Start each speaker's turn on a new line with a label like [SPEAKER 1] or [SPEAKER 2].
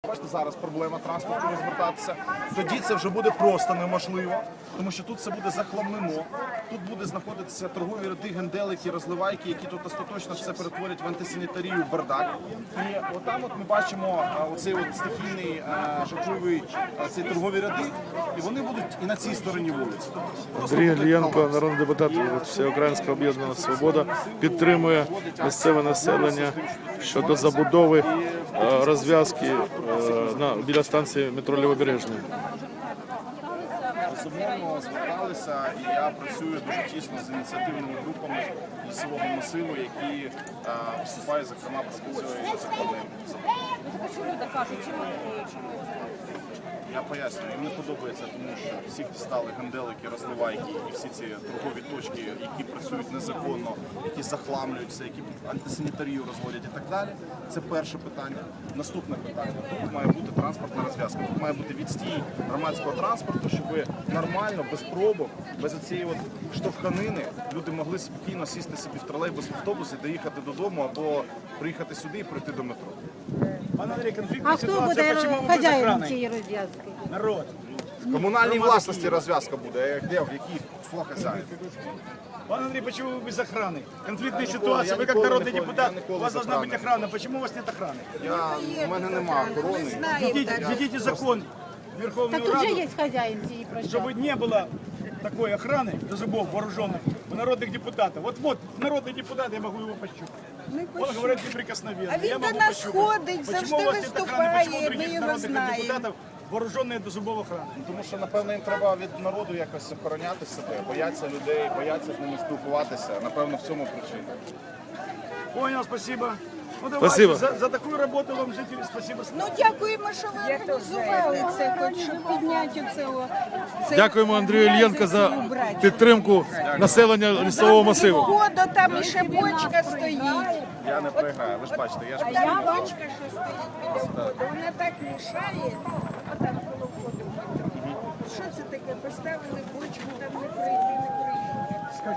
[SPEAKER 1] Бачите, зараз проблема транспорту розвертатися. Тоді це вже буде просто неможливо, тому що тут все буде захламлено. Тут буде знаходитися торгові ряди, генделики, розливайки, які тут остаточно все перетворять в антисанітарію, в бардак. І отам от ми бачимо оцей от стихійний жахливий ці торгові ряди, і вони будуть і на цій стороні вулиці.
[SPEAKER 2] Андрій Ільєнко, народний депутат від Всеукраїнського об'єднання «Свобода», підтримує місцеве населення щодо забудови розв'язки біля станції метро Лівобережної.
[SPEAKER 1] Безумовно, зверталися, і я працюю дуже тісно з ініціативними групами лісового масиву, які виступають, зокрема, проти цієї законної забудови. Я пояснюю, їм не подобається, тому що всіх дістали генделики, розливайки і всі ці торгові точки, які працюють незаконно, які захламлюються, які антисанітарію розводять і так далі. Це перше питання. Наступне питання. Тут має бути транспортна розв'язка. Тут має бути відстій громадського транспорту, щоб нормально, без пробок, без цієї от штовханини люди могли спокійно сісти собі в тролейбус, в автобус і доїхати додому або приїхати сюди і прийти до метро.
[SPEAKER 3] Пан Андрій,
[SPEAKER 4] А
[SPEAKER 3] конфліктна
[SPEAKER 4] хто
[SPEAKER 3] ситуація,
[SPEAKER 4] буде
[SPEAKER 3] чому ви без
[SPEAKER 4] хазяїном
[SPEAKER 3] охрани?
[SPEAKER 4] цієї розв'язки?
[SPEAKER 3] Народ.
[SPEAKER 1] В комунальній власності розв'язка буде, де, в якій хто хазяїн.
[SPEAKER 3] Пан Андрей, почему вы без охраны? Конфликтная
[SPEAKER 1] Я
[SPEAKER 3] ситуация, вы как
[SPEAKER 1] николи
[SPEAKER 3] народный
[SPEAKER 1] не
[SPEAKER 3] депутат,
[SPEAKER 1] николи
[SPEAKER 3] у вас
[SPEAKER 1] без
[SPEAKER 3] должна быть
[SPEAKER 1] охраны.
[SPEAKER 3] охрана. Почему у вас нет охраны?
[SPEAKER 1] У мене нема охорони.
[SPEAKER 3] Введите закон в Верховную
[SPEAKER 4] Так тут же
[SPEAKER 3] Раду,
[SPEAKER 4] є хазяїн цієї
[SPEAKER 3] чтобы
[SPEAKER 4] площадки.
[SPEAKER 3] не было такой охраны до зубов вооруженных у народных депутатов. Вот народный депутат, я могу его пощупать. Он говорит неприкосновенно.
[SPEAKER 5] А він
[SPEAKER 3] Я
[SPEAKER 5] до
[SPEAKER 3] могу
[SPEAKER 5] нас
[SPEAKER 3] пощупать.
[SPEAKER 5] ходить,
[SPEAKER 3] Почему
[SPEAKER 5] завжди
[SPEAKER 3] у вас нет охраны? Почему у
[SPEAKER 5] виступає, ми
[SPEAKER 3] других
[SPEAKER 5] його
[SPEAKER 3] народных
[SPEAKER 5] знаємо.
[SPEAKER 3] депутатов вооруженные до зубов охраны?
[SPEAKER 1] Тому що, напевно, їм треба від народу якось охороняти себе, бояться людей, бояться з ними спілкуватися. Напевно, в цьому причина.
[SPEAKER 3] Понял, спасибо. Ну, давайте,
[SPEAKER 2] Спасибо.
[SPEAKER 3] за такую работу вам, жители, спасибо.
[SPEAKER 5] Ну дякуємо, що ви організували це, хоч щоб підняти цього.
[SPEAKER 2] Дякуємо Андрію Ільєнко за підтримку населення лісового масиву.
[SPEAKER 5] Ходу там ще бочка стоїть.
[SPEAKER 1] Я не проіграю, ви ж бачите, я ж
[SPEAKER 5] А я бочка, що стоїть біля входу, вона так мішає.